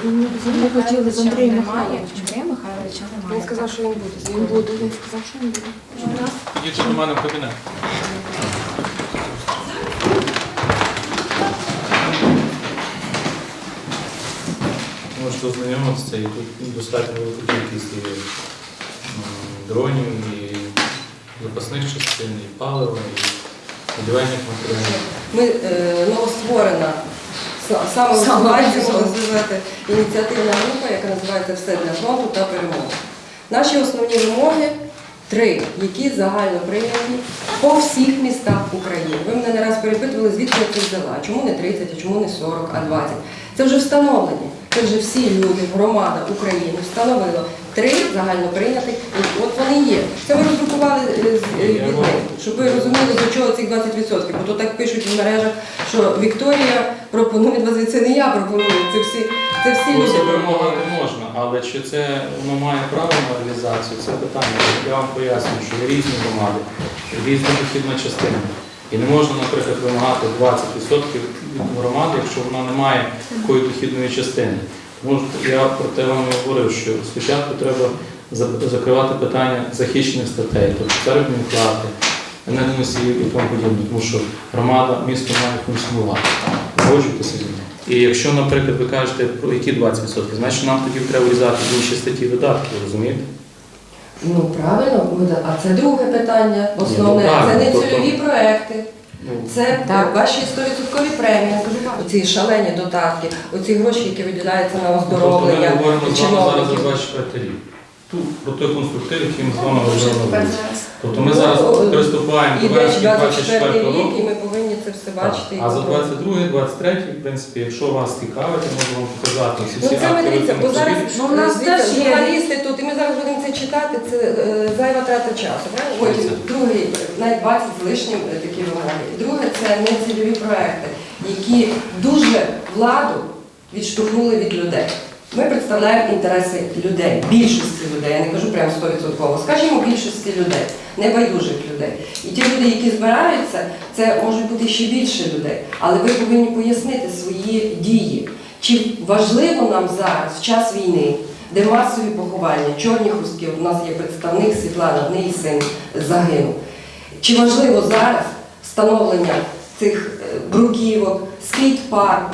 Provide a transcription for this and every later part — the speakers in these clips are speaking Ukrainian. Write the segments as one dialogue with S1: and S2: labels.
S1: Ми хотіли з Андрієм Михайловичем.
S2: Андрія Михайловича немає.
S1: Він сказав, що він буде. Він буде, він сказав, що він буде.
S3: Їдьте до мене в кабінет. Можете ознайомитися, і тут достатньо велика кількість і дронів, і запасних частин, і палива, і будівельних матеріалів.
S4: Ми новостворена, саме у складі можна сказати, ініціативна група, яка називається «Все для фронту та перемоги». Наші основні вимоги три, які загально прийняті по всіх містах України. Ви мене не раз перепитували, звідки я це взяла, чому не 30, а чому не 40, а 20. Це вже встановлені. Це вже всі люди, громада України встановила три загально прийнятих, от вони є. Це ми роздрукували від них, щоб ви розуміли, до чого цих 20%. Бо то так пишуть в мережах, що Вікторія пропонує 20%. Це не я пропоную, це всі люди.
S3: Це вимога не можна, але чи це воно має право на реалізацію, це питання. Я вам пояснюю, що є різні громади, різна дохідна частина. І не можна, наприклад, вимагати 20% від громади, якщо вона не має такої дохідної частини. Тому я про те вам і говорив, що спочатку треба закривати питання захищених статей, тобто заробітні плати, енергоносіїв і тому подібне, тому що громада, місто має функціонувати. Погоджуйтеся з ним. І якщо, наприклад, ви кажете, про які 20%, значить нам тоді треба врізати в інші статті видатки, розумієте?
S4: Ну, правильно, а це друге питання, основне, це не цільові проекти. Це ваші 100% премії, оці шалені додатки, оці гроші, які виділяються на оздоровлення.
S3: Тобто ми говоримо з вами зараз за 24 рік. Про той конструктив, який ми з вами говорили. Тобто ми зараз приступаємо до вересня 24 року.
S4: І ми повинні це все бачити.
S3: А за 22-й, 23-й, в принципі, якщо вас цікавить, я можу вам показати всі
S4: це ми
S3: акти.
S4: дивіться, бо зараз у нас теж журналісти тут, і ми зараз будемо це читати, це зайва трата часу. Потім другий, навіть 20 з лишнім такі вимоги. Друге, це нецільові проекти, які дуже владу відштовхнули від людей. Ми представляємо інтереси людей, більшості людей, я не кажу прямо 100%, скажімо, більшості людей, небайдужих людей. І ті люди, які збираються, це можуть бути ще більше людей. Але ви повинні пояснити свої дії. Чи важливо нам зараз, в час війни, де масові поховання, чорні хустки, у нас є представник Світлана, в неї син загинув. Чи важливо зараз встановлення цих бруківок, скейт-парку?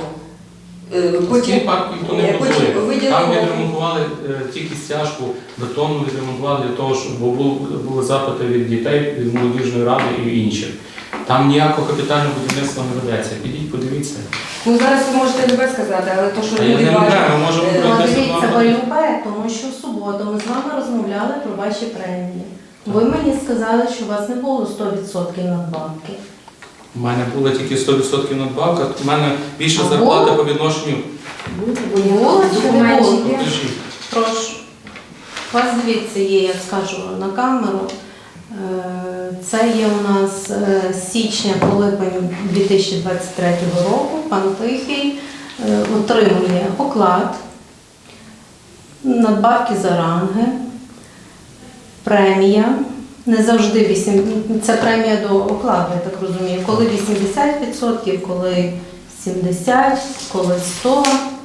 S3: Цей парк ніхто не будує. Там відремонтували тільки стяжку, бетонну відремонтували для того, щоб були запити від дітей, від молодіжної ради і інших. Там ніякого капітального будівництва не ведеться. Підіть, подивіться.
S4: Ну зараз ви можете любе сказати, але то, що люди
S3: бачать... Ми можемо
S5: дивіться, ви любе, тому що в суботу ми з вами розмовляли про ваші премії. Ви мені сказали, що у вас не було 100% надбавки.
S3: У мене було тільки 100% надбавка, у мене більша зарплата по відношенню.
S5: Було чи не було?
S3: Покажіть.
S5: Прошу. У вас, дивіться, є, я скажу на камеру. Це є у нас з січня по липень 2023 року. Пан Тихий отримує оклад, надбавки за ранги, премія. Не завжди це премія до окладу, я так розумію. Коли 80%, коли 70%, коли 100%.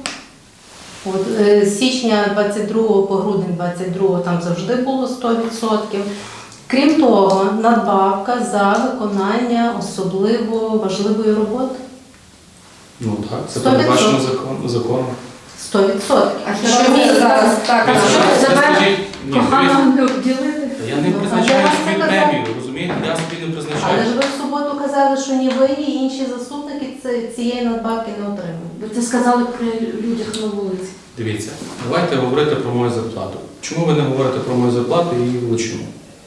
S5: От, з січня 22 по грудень 22 там завжди було 100%. Крім того, надбавка за виконання особливо важливої роботи.
S3: Ну так, це передбачено законом.
S5: 100%.
S4: А що ми зараз так?
S1: Погано не обділити.
S3: Я не призначаю собі премію, розумієте? Я собі не призначаю.
S5: Але ж ви в суботу казали, що ні ви, ні інші заступники цієї надбавки не отримують.
S1: Ви це сказали при людях на вулиці.
S3: Дивіться, давайте говорити про мою зарплату. Чому ви не говорите про мою зарплату і її величину?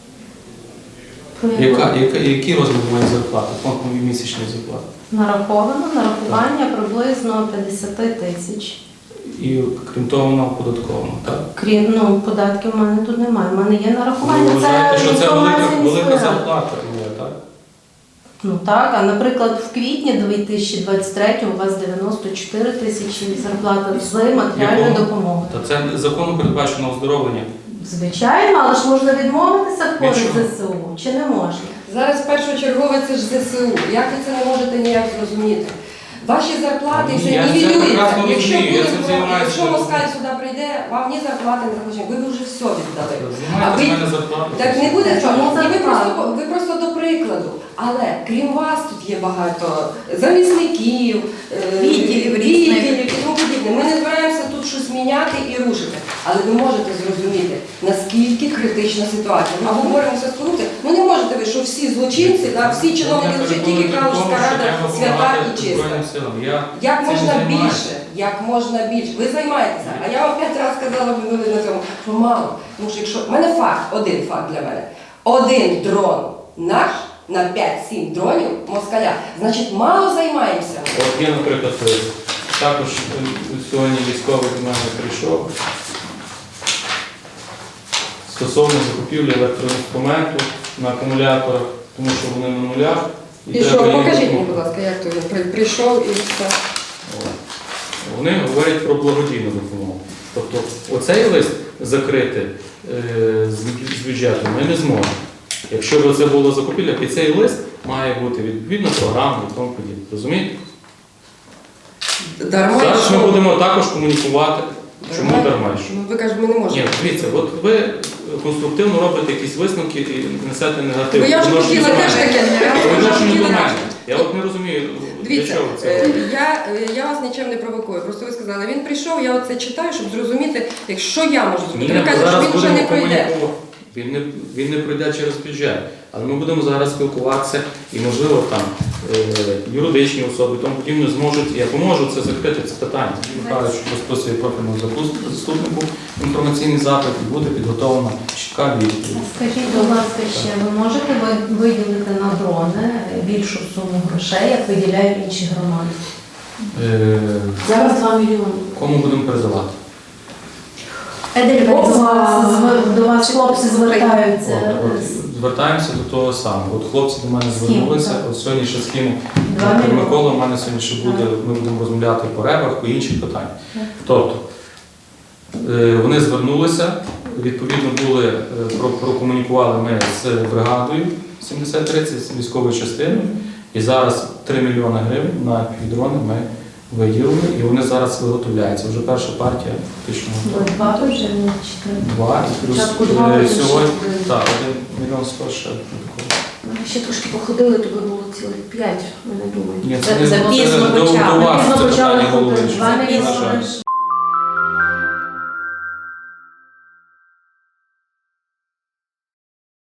S3: Який розмір моєї зарплати, фонд моєї місячної зарплати?
S5: Нараховано, нарахування приблизно 50 тисяч.
S3: І крім того, вона оподаткована, так?
S5: Крім, податків в мене тут немає. У мене є нарахування.
S3: Ви вважаєте, що це велика
S5: ради.
S3: зарплата є, так?
S5: Ну так, а наприклад, в квітні 2023 у вас 94 тисячі зарплата з матеріальною допомогою.
S3: Та це законом передбачено оздоровлення.
S5: Звичайно, але ж можна відмовитися в користь ЗСУ, чи не можна?
S4: Зараз першочергове це ж ЗСУ. Як ви це не можете ніяк зрозуміти? Ваші зарплати
S3: Ні,
S4: все
S3: я це
S4: нівелюються.
S3: прекрасно
S4: Якщо
S3: розумію, я
S4: буде,
S3: цим займаюся.
S4: якщо москаль сюди прийде, вам ні зарплати не захочуть, ви б вже все віддали.
S3: Знімайте
S4: ви-
S3: з мене зарплату.
S4: Так не буде
S5: Чому
S4: цього. І
S5: зарплата?
S4: ви просто до прикладу. Але крім вас тут є багато замісників,
S5: Відділів різних.
S4: відділів і тому подібне. Ми не збираємося тут щось міняти і рушити. Але ви можете зрозуміти, наскільки критична ситуація. Ми боремося з корупцією. Ну не можете ви, що всі злочинці, да, всі чиновники злочинці, тільки Калужська рада свята і чиста. Як можна більше, як можна більше. Ви займаєтеся. А я вам 5 разів сказала на цьому, що мало. Тому що якщо в мене факт, один факт для мене. Один дрон наш на 5-7 дронів москаля, значить мало займаємося.
S3: От є, наприклад, також сьогодні військовий до мене прийшов стосовно закупівлі електроінструменту на акумуляторах, тому що вони на нулях.
S4: І що,
S3: треба їм
S4: покажіть мені,
S3: допомогти.
S4: будь ласка, як то він прийшов і все.
S3: От. Вони говорять про благодійну допомогу. Тобто оцей лист закрити з бюджету ми не зможемо. Якщо б це було закупівля, під цей лист має бути відповідна програма і тому подібне. Розумієте?
S4: Дарма
S3: Зараз ми
S4: що?
S3: будемо також комунікувати, чому дарма і що.
S4: Ну ви кажете, ми не можемо.
S3: Ні, дивіться, от ви конструктивно робите якісь висновки і несете негатив.
S4: Бо я вже
S3: Відношення
S4: хотіла
S3: до
S4: теж
S3: мене.
S4: таке.
S3: По відношенню до
S4: хотіла
S3: мене.
S4: теж.
S3: Я от не розумію, для
S4: Дивіться,
S3: чого це.
S4: я вас нічим не провокую. Просто ви сказали, він прийшов, я оце читаю, щоб зрозуміти, якщо я можу зробити.
S3: Ні,
S4: Ви кажете, що
S3: зараз
S4: він вже
S3: будемо
S4: не пройде.
S3: комунікувати. Він не пройде через бюджет. Але ми будемо зараз спілкуватися і, можливо, там юридичні особи, тому подібне зможуть, я поможу це закрити, це питання. Михайлович розписує профільному заступнику інформаційний запит і буде підготовлена чітка відповідь.
S5: Скажіть, будь ласка, ще ви можете виділити на дрони більшу суму грошей, як виділяють інші громади?
S1: Зараз 2 мільйони.
S3: Кому будемо передавати?
S5: До вас хлопці звертаються.
S3: Звертаємося до того самого. От хлопці до мене
S5: Схему,
S3: звернулися,
S5: так.
S3: от сьогодні ще схему
S5: Два
S3: Дмитро
S5: мільйони.
S3: Микола, у мене сьогодні ще буде, ми будемо розмовляти по ребах, по інших питаннях. Тобто, вони звернулися, відповідно були, прокомунікували ми з бригадою 7030, з військовою частиною, і зараз 3 мільйони гривень на півдрони ми виділили, і вони зараз виготовляються. Вже перша партія фактично готова.
S5: Два вже не чотири.
S3: 2 і плюс
S1: Спочатку 2, потім ще
S3: сьогодні,
S1: один.
S3: так, 1 мільйон 100 ще такого.
S1: Ми ще трошки походили, то би було цілих 5, ми не думаємо.
S3: Ні,
S5: Це
S3: не
S5: запізно
S3: до
S5: почали.
S3: вас
S5: Запізно
S3: це
S5: почали
S3: питання
S5: ходити.
S3: головне.
S5: 2
S3: На жаль.
S5: мільйони.